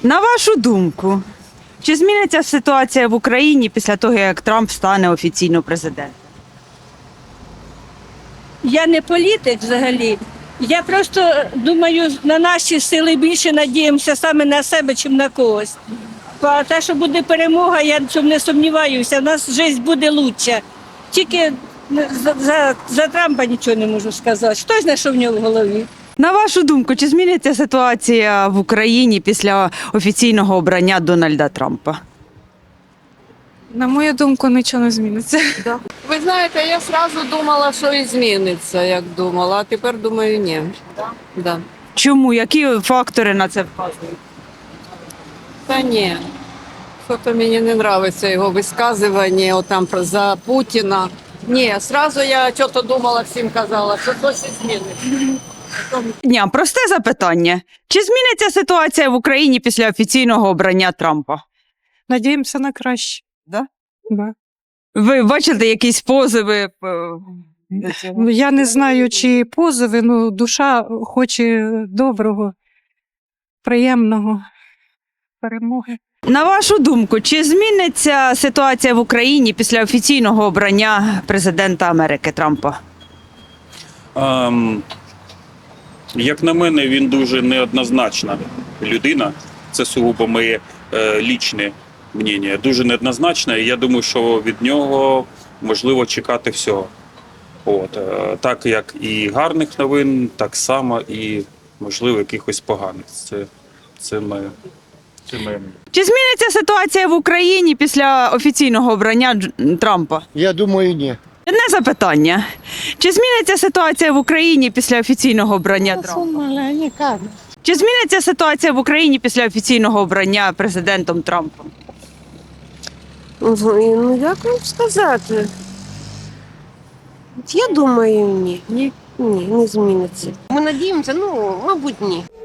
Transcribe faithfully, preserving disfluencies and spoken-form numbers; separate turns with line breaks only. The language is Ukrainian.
На вашу думку, чи зміниться ситуація в Україні після того, як Трамп стане офіційно президентом?
Я не політик взагалі. Я просто думаю, на наші сили більше надіємося саме на себе, чим на когось. А те, що буде перемога, я в цьому не сумніваюся. У нас життя буде краще. Тільки за, за, за Трампа нічого не можу сказати. Хто знає, що в нього в голові?
На вашу думку, чи зміниться ситуація в Україні після офіційного обрання Дональда Трампа?
На мою думку, нічого не зміниться.
Ви знаєте, я одразу думала, що і зміниться, як думала, а тепер думаю, ні. Да.
Чому? Які фактори на це вказують?
Та ні. Що-то мені не подобається його висказування отам про за Путіна. Ні, одразу я щось думала, всім казала, що щось і зміниться.
Ні, просте запитання. Чи зміниться ситуація в Україні після офіційного обрання Трампа?
Надіємося на краще.
Да?
Да.
Ви бачите якісь позови? е, до цього?
Ну, я не знаю, чи позови, ну душа хоче доброго, приємного, перемоги.
На вашу думку, чи зміниться ситуація в Україні після офіційного обрання президента Америки Трампа?
Ем, як на мене, він дуже неоднозначна людина. Це сугубо моє е, лічне мнення. Дуже неоднозначна, і я думаю, що від нього можливо чекати всього. От, е, так як і гарних новин, так само і, можливо, якихось поганих. Це, це моє. Це моє мнення.
Чи зміниться ситуація в Україні після офіційного обрання Дж- Трампа?
Я думаю, ні.
Одне запитання. Чи зміниться ситуація в Україні після офіційного обрання Трампа? Чи зміниться ситуація в Україні після офіційного обрання президентом Трампом?
Ну, як вам сказати? Я думаю, ні. Ні? Ні, не зміниться. Ми надіємося, ну, мабуть, ні.